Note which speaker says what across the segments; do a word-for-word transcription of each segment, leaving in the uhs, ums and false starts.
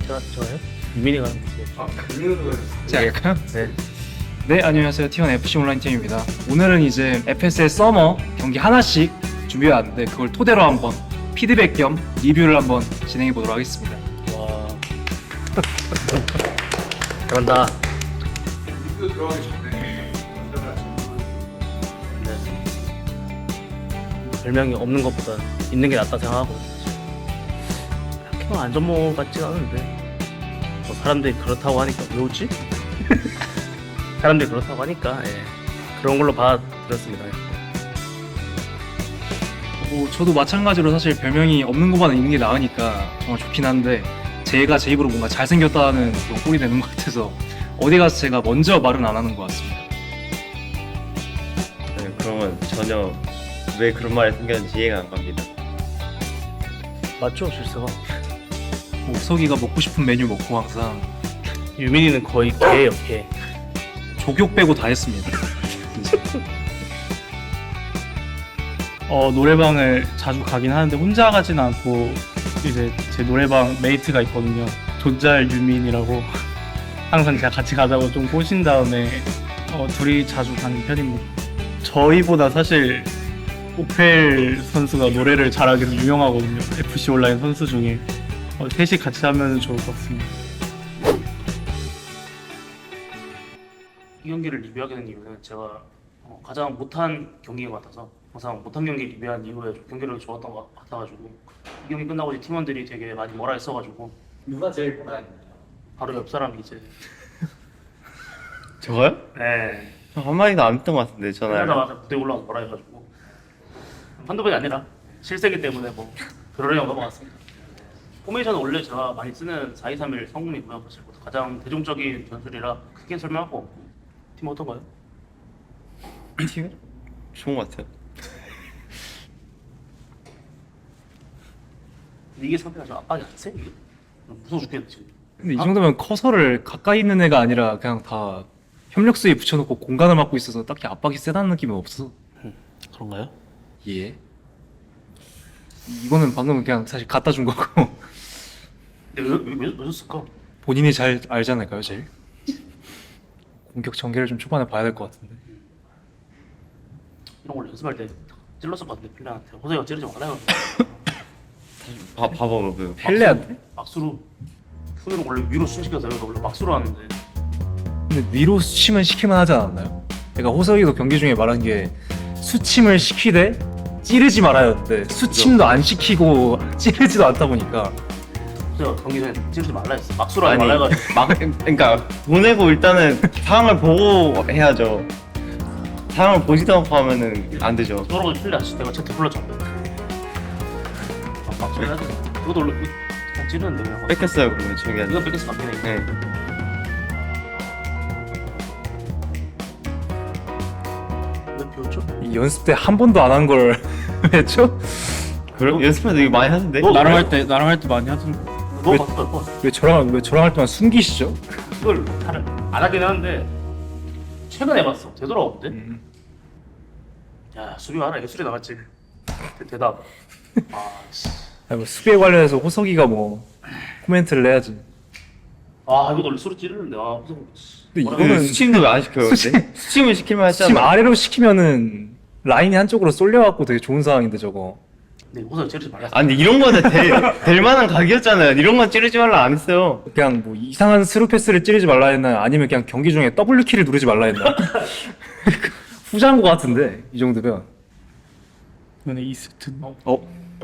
Speaker 1: 저, 저요? 유민이가 하는 거지.
Speaker 2: 아, 강민호가
Speaker 3: 제가 할까요?
Speaker 1: 네.
Speaker 3: 네, 안녕하세요. 티원 에프씨 온라인 팀입니다. 오늘은 이제 에프에스의 서머 경기 하나씩 준비해 왔는데 그걸 토대로 한번 피드백 겸 리뷰를 한번 진행해 보도록 하겠습니다.
Speaker 1: 와. 잘한다.
Speaker 2: 리뷰 들어가기 전에 먼저
Speaker 1: 네. 별명이 없는 것보다 있는 게 낫다 생각하고. 그렇게만 안전모 같진 않은데. 뭐 사람들이 그렇다고 하니까 왜 웃지? 사람들이 그렇다고 하니까 예. 그런 걸로 받아들였습니다.
Speaker 3: 뭐 저도 마찬가지로 사실 별명이 없는 것보다 있는 게 나으니까 정말 좋긴 한데 제가 제 입으로 뭔가 잘생겼다는 그런 꼴이 되는 것 같아서 어디 가서 제가 먼저 말은 안 하는 것 같습니다.
Speaker 4: 네, 그러면 전혀 왜 그런 말이 생겼는지 이해가 안 갑니다.
Speaker 1: 맞죠, 실수가?
Speaker 3: 뭐 우석이가 먹고 싶은 메뉴 먹고 항상
Speaker 1: 유민이는 거의 개예요, 개.
Speaker 3: 족욕 빼고 다 했습니다.
Speaker 5: 어, 노래방을 자주 가긴 하는데 혼자 가진 않고 이제 제 노래방 메이트가 있거든요. 존잘 유민이라고 항상 제가 같이 가자고 좀 꼬신 다음에 어, 둘이 자주 가는 편입니다. 저희보다 사실 오펠 선수가 노래를 잘하기로 유명하거든요. 에프씨 온라인 선수 중에 어, 셋이 같이 하면 좋을 것 같습니다.
Speaker 1: 이 경기를 리뷰하게 된 이유는 제가 어, 가장 못한 경기인 것 같아서 항상 못한 경기 리뷰한 이후에 좀 경기력이 좋았던 것 같아가지고 이 경기 끝나고 이제 팀원들이 되게 많이 뭐라 했어가지고
Speaker 2: 누가 제일 뭐라 했나요?
Speaker 1: 바로 옆 사람이 이제
Speaker 4: 저거요?
Speaker 1: 네
Speaker 4: 저 한마디도 안 했던 것 같은데 전화를.
Speaker 1: 그러다가 무대에 올라가서 뭐라 해가지고 한두 번이 아니라 실세기 때문에 뭐 그러려고 넘어갔습니다. 포메이션은 원래 제가 많이 쓰는 사 이 삼 일 성공이고요. 사실 뭐 가장 대중적인 전술이라 크게 설명할 거 없고 팀 어떤가요?
Speaker 4: 팀? 좋은 것 같아요.
Speaker 1: 근데 이게 상태가 좀 압박이 안 세? 이게? 무서워 죽겠네 지금.
Speaker 3: 근데 이 정도면 커서를 가까이 있는 애가 아니라 그냥 다 협력수에 붙여놓고 공간을 맡고 있어서 딱히 압박이 세다는 느낌은 없어.
Speaker 1: 그런가요?
Speaker 3: 예. 이거는 방금 그냥 사실 갖다 준 거고
Speaker 1: 근데 왜, 왜, 왜, 왜 줬을까?
Speaker 3: 본인이 잘 알지 않을까요, 제일? 공격 전개를 좀 초반에 봐야 될 것 같은데.
Speaker 1: 이런 걸 연습할 때 찔렀을 것 같은데 필라한테 호세가 찌르지 말아요.
Speaker 4: 봐, 봐봐 그
Speaker 3: 펠레한테?
Speaker 1: 막수로 손으로 원래 위로 숨시켜서 여기서 원래 막수로 하는데
Speaker 3: 근데 위로 수침은 시키면 하지 않았나요? 그러니까 호석이도 경기 중에 말한 게 수침을 시키되 찌르지 말아였는데 수침도 안 시키고 찌르지도 않다 보니까
Speaker 1: 호세가 경기 전에 찌르지 말라 했어. 막수로 하지
Speaker 4: 아니
Speaker 1: 말라 해가지고
Speaker 4: 막 그러니까 보내고 일단은 상황을 보고 해야죠. 상황을 보지도 않고 하면은 안 되죠.
Speaker 1: 저러고 필라 내가 채트 불렀잖아. 아, 막수로 해야 돼. 이것도 원래 그냥 찌르는데 그냥
Speaker 4: 뺏겼어요 그러면 저기
Speaker 1: 이거 뺏겨서 바뀌네. 이거.
Speaker 4: 네.
Speaker 1: 왜 비웠죠?
Speaker 3: 이 연습 때 한 번도 안 한 걸 했죠?
Speaker 4: 그래? 연습할 때 이거 많이 하던데.
Speaker 1: 너-
Speaker 5: 나랑 할 때 나랑 할 때 많이 하던데.
Speaker 1: 너
Speaker 3: 왜-
Speaker 1: 바꿔 바꿔.
Speaker 3: 왜 저랑 왜 저랑 할 때만 숨기시죠?
Speaker 1: 이걸 다른 안 하긴 하는데 최근에 해봤어. 되돌아오는데.
Speaker 3: 음.
Speaker 1: 야 수비 하나 예술이 나갔지. 대, 대답. 아 씨.
Speaker 3: 아니, 뭐 수비에 관련해서 호석이가 뭐 코멘트를 해야지.
Speaker 1: 아 이거 원래 소리 찌르는데 아 무슨.
Speaker 3: 근데
Speaker 1: 뭐라고
Speaker 3: 이거는
Speaker 4: 수침도 왜 안 시켜요?
Speaker 3: 수침-
Speaker 4: 근데? 수침을 시키면
Speaker 3: 지금
Speaker 4: 하잖아.
Speaker 3: 아래로 시키면은 라인이 한쪽으로 쏠려갖고 되게 좋은 상황인데 저거.
Speaker 1: 네 우선 찌르지 말라.
Speaker 4: 아니 근데 이런 거는 될, 될 만한 각이었잖아요. 이런 건 찌르지 말라 안 했어요.
Speaker 3: 그냥 뭐 이상한 스루 패스를 찌르지 말라 했나 아니면 그냥 경기 중에 더블유 키를 누르지 말라 했나? 후자인 것 같은데 이 정도면.
Speaker 5: 이번에 이 세트.
Speaker 3: 어?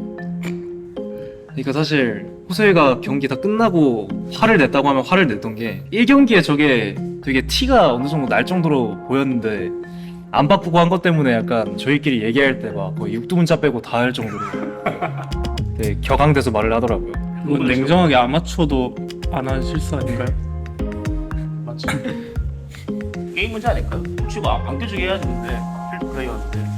Speaker 3: 그러니까 사실 호서이가 경기 다 끝나고 화를 냈다고 하면 화를 냈던 게 일 경기에 저게 되게 티가 어느 정도 날 정도로 보였는데 안 바꾸고 한 것 때문에 약간 저희끼리 얘기할 때 막 거의 육두문자 빼고 다 할 정도로 되게 격앙돼서 말을 하더라고요.
Speaker 5: 이건 냉정하게 아마추어도 안 한 실수 아닌가요?
Speaker 1: 맞지. 게임 문제 아닐까요? 치고 안, 안 껴주게 해야지 근데 필드 플레이였는데.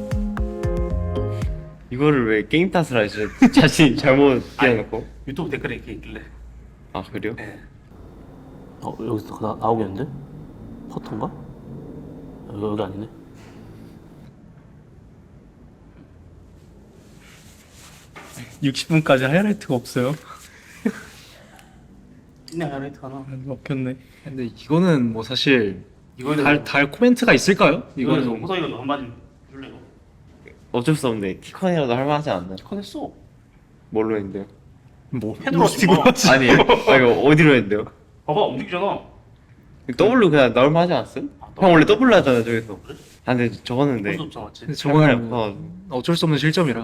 Speaker 4: 이거를 왜 게임 탓을 하시죠? 자신이 잘못 끼워놓고.
Speaker 1: 유튜브 댓글에 이렇게 있길래.
Speaker 4: 아 그래요?
Speaker 1: 네. 어 여기서 나, 나오겠는데? 퍼터인가? 여기, 여기 아니네.
Speaker 5: 육십 분까지 하이라이트가 없어요.
Speaker 1: 있네 하이라이트 하나.
Speaker 5: 먹혔네.
Speaker 3: 근데 이거는 뭐 사실
Speaker 1: 이거는
Speaker 3: 달, 달 코멘트가 있을까요?
Speaker 1: 이거는
Speaker 3: 이거는
Speaker 1: 호석이가 너 한마디 줄래 이거.
Speaker 4: 어쩔 수 없네. 티컨이라도 할만하지 않나?
Speaker 1: 커냈어.
Speaker 4: 뭘로 했는데요?
Speaker 3: 뭐
Speaker 1: 헤드로 찍어.
Speaker 4: 아니, 아 이거 어디로 했는데요?
Speaker 1: 봐봐 움직이잖아.
Speaker 4: W 그냥 넣을만 하지 않았어요?
Speaker 1: 아,
Speaker 4: 형 원래 W 하잖아 저기서.
Speaker 1: 그래?
Speaker 4: 아 근데 저거는 네.
Speaker 1: 볼수 없잖아 맞지?
Speaker 3: 근데
Speaker 4: 저거는
Speaker 3: 저거는 뭐 어쩔 수 없는 실점이라.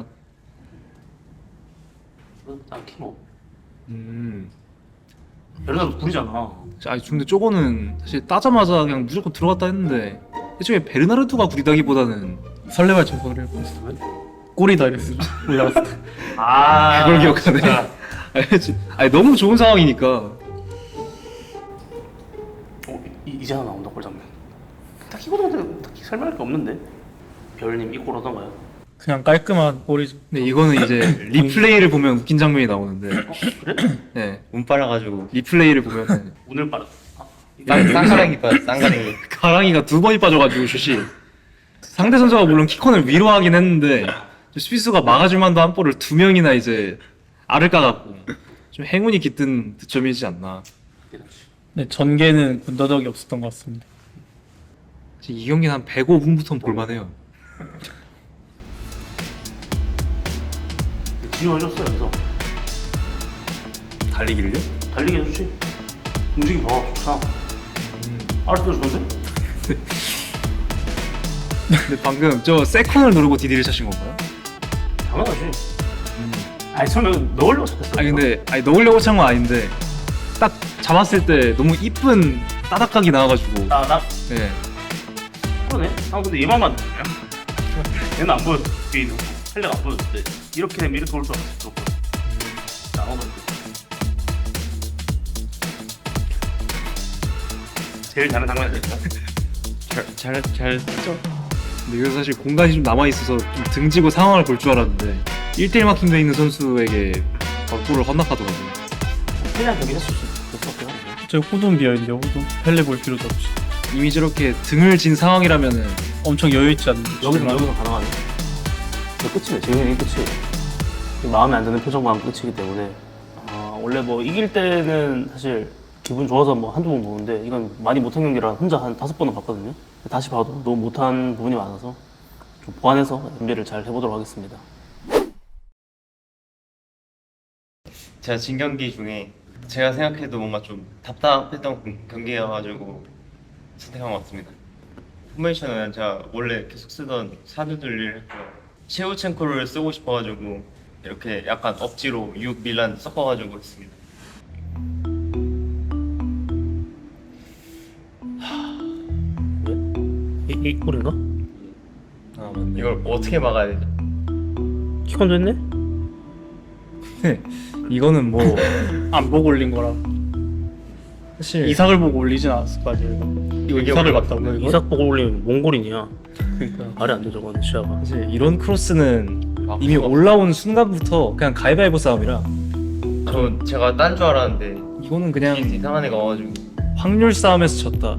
Speaker 1: 딱히 뭐.
Speaker 3: 음.
Speaker 1: 베르나도 구리잖아.
Speaker 3: 아니 근데 저거는 사실 따자마자 그냥 무조건 들어갔다 했는데 애초에 베르나르도가 구리다기보다는
Speaker 5: 설레발 청소를 해봤어. 골이다 이랬어. 올라갔을 때.
Speaker 1: 아
Speaker 3: 그걸 기억하네.
Speaker 1: 진짜.
Speaker 3: 아니, 지- 아니 너무 좋은 상황이니까.
Speaker 1: 어, 이, 이제 하나 나온다 골 장면. 딱히 이거는 딱히 설명할 게 없는데. 별님 이 골 하던가요?
Speaker 5: 그냥 깔끔한 골이죠.
Speaker 3: 근데 이거는 이제 리플레이를 보면 웃긴 장면이 나오는데,
Speaker 1: 어 그래?
Speaker 3: 네
Speaker 4: 운 빨아가지고
Speaker 3: 리플레이를 보면은
Speaker 1: 오늘 빠르. 아, 이게
Speaker 4: 쌍 쌍가랭이 빠 쌍가랭이.
Speaker 3: 가랑이가 두 번이 빠져가지고 슛이 상대 선수가 물론 키컨을 위로 하긴 했는데 수비수가 막아줄 만도 한 볼을 두 명이나 이제 알을 까갖고 좀 행운이 깃든 득점이지 않나.
Speaker 5: 네, 전개는 군더더기 없었던 것 같습니다.
Speaker 3: 이 경기는 한 백오 분부터는 볼만해요.
Speaker 1: 지워졌어 여기서.
Speaker 3: 달리기를요?
Speaker 1: 달리기 해주지. 움직임 봐 좋다. 알았어 좋은데?
Speaker 3: 근데 방금 저 세컨을 누르고 디디를 차신 건가요?
Speaker 1: 당연하지. 아니 설마 넣으려고 찾았어.
Speaker 3: 아니 근데 아니 넣으려고 찬 건 아닌데 딱 잡았을 때 너무 이쁜 따닥각이 나와가지고.
Speaker 1: 나나
Speaker 3: 네.
Speaker 1: 그러네. 아 근데 얘만 만드냐? 얘는 안 보였어. 뒤에는 헬레가 안 보였는데 이렇게 되면 이렇게 올 줄 알았어. 나눠가지고. 제일 잘하는 장면 아닐까?
Speaker 4: 잘잘잘 쓰죠.
Speaker 3: 근데 이거 사실 공간이 좀 남아 있어서 좀 등지고 상황을 볼 줄 알았는데 일 대 일 마킹돼 있는 선수에게 바로 골을 헌납하더라고요.
Speaker 1: 헬레한 경기 했을 수 있을 것 같긴 한데.
Speaker 5: 저 후돈 비어있는데 후돈 펠레 볼 필요도 없이
Speaker 3: 이미 저렇게 등을 진 상황이라면은
Speaker 5: 엄청 여유 있지 않는
Speaker 1: 여기서 여기서 가능하네. 이거 끝이네. 재현이 끝이. 마음에 안 드는 표정만 끝이기 때문에 아, 원래 뭐 이길 때는 사실 기분 좋아서 뭐 한두 번 보는데 이건 많이 못한 경기라 혼자 한 다섯 번은 봤거든요. 다시 봐도 너무 못한 부분이 많아서 좀 보완해서 준비를 잘 해보도록 하겠습니다.
Speaker 4: 제가 진 경기 중에 제가 생각해도 뭔가 좀 답답했던 경기여가지고 선택한 것 같습니다. 포메이션은 제가 원래 계속 쓰던 사두들리를 했고요. 셰우첸코를 쓰고 싶어가지고 이렇게 약간 억지로 육 밀란 섞어가지고 했습니다.
Speaker 1: 이, 이 골인가?
Speaker 3: 아 맞네.
Speaker 4: 이걸 어떻게 막아야 되죠?
Speaker 1: 키컨도 했네?
Speaker 3: 이거는 뭐
Speaker 5: 안 보고 올린 거라
Speaker 3: 사실
Speaker 5: 이삭을 보고 올리진 않았을 거 아니에요. 이거
Speaker 4: 이게
Speaker 5: 이삭을
Speaker 4: 원래
Speaker 5: 봤다고요 이거?
Speaker 1: 이삭 보고 올리면 몽골인이야.
Speaker 5: 그러니까
Speaker 1: 말이 안 돼 저거는 시야가.
Speaker 3: 사실 이런 크로스는
Speaker 4: 아,
Speaker 3: 이미
Speaker 4: 그거.
Speaker 3: 올라온 순간부터 그냥 가위바위보 싸움이라
Speaker 4: 저 제가 딴 줄 알았는데
Speaker 3: 이거는
Speaker 4: 그냥
Speaker 3: 그냥
Speaker 4: 이상한 애가 와가지고
Speaker 3: 확률 싸움에서 졌다.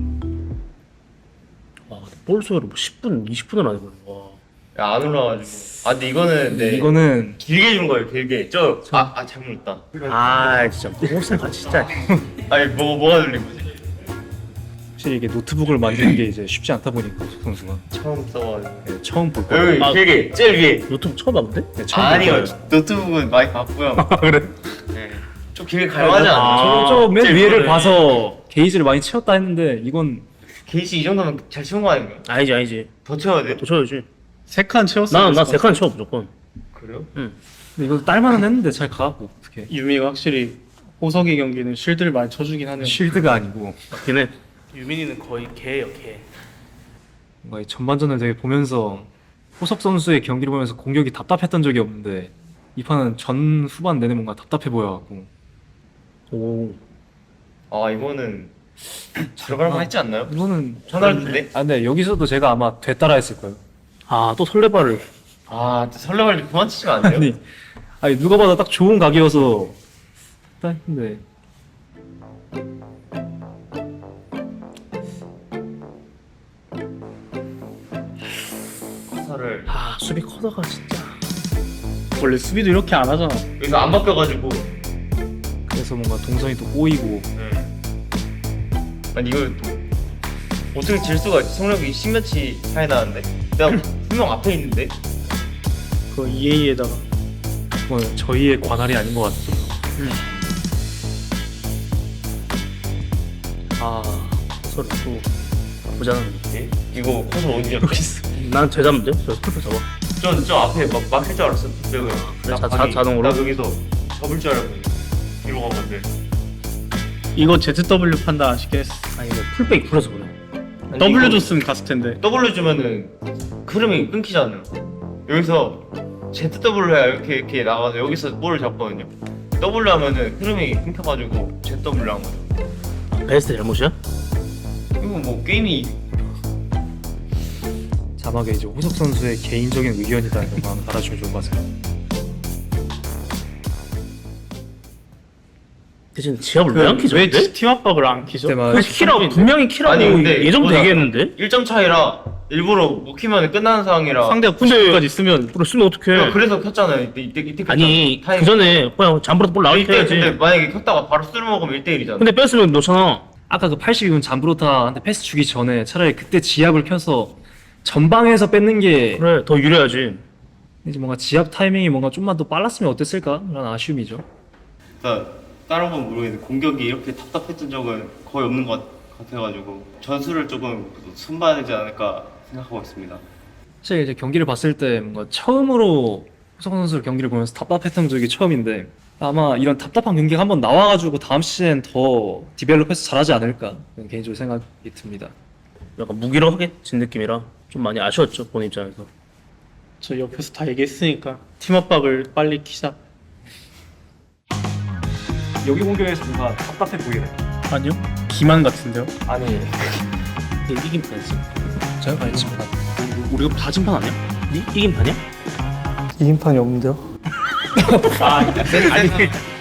Speaker 1: 와, 볼 소요를 뭐 십 분, 이십 분을 안 해버려. 와.
Speaker 4: 야, 안 올라와가지고 아 근데 이거는 네
Speaker 3: 이거는
Speaker 4: 길게 준 거예요 길게 저아 아 잘못 했다.
Speaker 1: 아, 진짜 몽골 진짜.
Speaker 4: 아니 뭐 뭐가 들린 거지?
Speaker 3: 확실히 이게 노트북을 만드는 게 이제 쉽지 않다 보니까 석 선수가
Speaker 4: 처음 써가지고
Speaker 3: 네, 처음 볼 거예요.
Speaker 4: 여기
Speaker 1: 아.
Speaker 4: 길게 제일 위에
Speaker 1: 유튜브 처음 봤는데?
Speaker 3: 네, 처음 볼
Speaker 4: 아니요
Speaker 3: 거예요.
Speaker 4: 노트북은 많이 봤고요.
Speaker 5: 그래?
Speaker 4: 네. 좀 길게 갈만하지 않나요?
Speaker 1: 아.
Speaker 3: 저맨
Speaker 4: 제일
Speaker 3: 위에를
Speaker 4: 위에.
Speaker 3: 봐서 게이지를 많이 채웠다 했는데 이건
Speaker 4: 게이지 이 정도면 잘 치운 거 아닌가요?
Speaker 1: 아니지, 아니지.
Speaker 4: 더 채워야 돼?
Speaker 1: 또 쳐야지.
Speaker 5: 세 칸 채웠어.
Speaker 1: 나, 나 세 칸 쳐, 무조건.
Speaker 4: 그래요?
Speaker 3: 근데 이거 딸만은 했는데 잘 가고 어떻게
Speaker 5: 유미가 확실히 호석이 경기는 쉴드를 많이 쳐주긴 하네요.
Speaker 3: 쉴드가 아니고
Speaker 1: 맞긴 해. 유민이는 거의 개예요, 개.
Speaker 3: 뭔가 이 전반전을 되게 보면서 호석 선수의 경기를 보면서 공격이 답답했던 적이 없는데 이 판은 전 후반 내내 뭔가 답답해 보여갖고
Speaker 1: 오.
Speaker 4: 아 이거는 들어갈 만 했지 않나요?
Speaker 3: 이거는
Speaker 4: 전화할 텐데?
Speaker 3: 아 근데 여기서도 제가 아마 되따라 했을 거예요.
Speaker 1: 아, 또 설레발을.
Speaker 4: 아 진짜 설레발 그만 치시면 안 돼요?
Speaker 3: 아니 아니 누가 봐도 딱 좋은 각이어서 딱 했는데
Speaker 4: 커서를
Speaker 1: 아, 수비 커다가 진짜.
Speaker 5: 원래 수비도 이렇게 안 하잖아.
Speaker 4: 여기서 안 바뀌어가지고
Speaker 3: 그래서 뭔가 동선이 또 꼬이고.
Speaker 4: 네. 아니 이걸 어떻게 질 수가 있지? 성력이 십몇치 차이 나는데 내가 분명 앞에 있는데.
Speaker 5: 그 이에이에다가
Speaker 3: 그건 저희의 관할이 아닌 것 같아요.
Speaker 1: 아 서로 또 나쁘지 않은데.
Speaker 4: 이거 커서 어디 잡혀?
Speaker 1: 난 제자인데? 저 스피커 잡아.
Speaker 4: 전저 앞에 막 막힐 줄 알았어. 내가
Speaker 1: 그래, 자- 자- 자동으로?
Speaker 4: 나 여기서 접을 줄 알고 뒤로 간 건데.
Speaker 5: 이거 제트더블유 판다 아시겠어?
Speaker 1: 아니 이거 풀백이 풀어서 그래.
Speaker 5: W 줬으면 갔을 텐데.
Speaker 4: W 주면은 흐름이 끊기잖아요. 여기서 제트더블유 해야 이렇게 이렇게 나가서 여기서 볼을 잡거든요. W 하면은 흐름이 끊겨가지고 제트더블유 한 거죠.
Speaker 1: 베스트 잘못이야?
Speaker 4: 이거 뭐 게임이
Speaker 3: 자막에 이제 호석 선수의 개인적인 의견이다 이런 거 한번 달아주면 좋을 것 같아요.
Speaker 1: 대신 지압을 왜 안 키죠?
Speaker 5: 왜
Speaker 1: 근데?
Speaker 5: 팀 압박을 안 키죠?
Speaker 3: 그때만
Speaker 1: 그 키라고 분명히 키라고
Speaker 4: 아니, 근데
Speaker 1: 예정도
Speaker 4: 이거보다
Speaker 1: 얘기했는데.
Speaker 4: 일 점 차이라 일부러 못 키면 끝나는 상황이라
Speaker 5: 상대가 구십까지 있으면
Speaker 1: 그래 쓰면 어떡해?
Speaker 4: 그래서 켰잖아요. 이때 이때 이때
Speaker 1: 아니
Speaker 4: 타임.
Speaker 1: 그 전에 그냥 잠버릇 볼 나올 때
Speaker 4: 이때
Speaker 1: 해야지.
Speaker 4: 근데 만약에 켰다가 바로 쓸어 먹으면 일 대 일이잖아.
Speaker 1: 근데 뺐으면 넣잖아.
Speaker 3: 아까 그 팔십이 분 잠브로타한테 패스 주기 전에 차라리 그때 지압을 켜서 전방에서 뺏는 게
Speaker 1: 그래 더 유리하지.
Speaker 3: 이제 뭔가 지압 타이밍이 뭔가 좀만 더 빨랐으면 어땠을까라는 아쉬움이죠.
Speaker 4: 그러니까 다른 건 모르겠는데 공격이 이렇게 답답했던 적은 거의 없는 것 같아가지고 전술을 조금 손봐야 되지 않을까 생각하고 있습니다.
Speaker 3: 사실 이제 경기를 봤을 때 뭔가 처음으로 호석 선수 경기를 보면서 답답했던 적이 처음인데 아마 이런 답답한 경기가 한번 나와가지고 다음 시즌 더 디벨롭해서 잘하지 않을까 개인적으로 생각이 듭니다.
Speaker 1: 약간 무기력해진 느낌이라 좀 많이 아쉬웠죠 본인 입장에서.
Speaker 5: 저 옆에서 다 얘기했으니까 팀 압박을 빨리 키자.
Speaker 3: 여기 공격에서 뭔가 답답해 보이네.
Speaker 5: 아니요? 기만 같은데요?
Speaker 3: 아니
Speaker 1: 근데 이긴 판이지.
Speaker 3: 제가 말했지만
Speaker 1: 우리가 다 진판 아니야? 이, 이긴 판이야?
Speaker 5: 이긴 판이 없는데요?
Speaker 1: 아 아니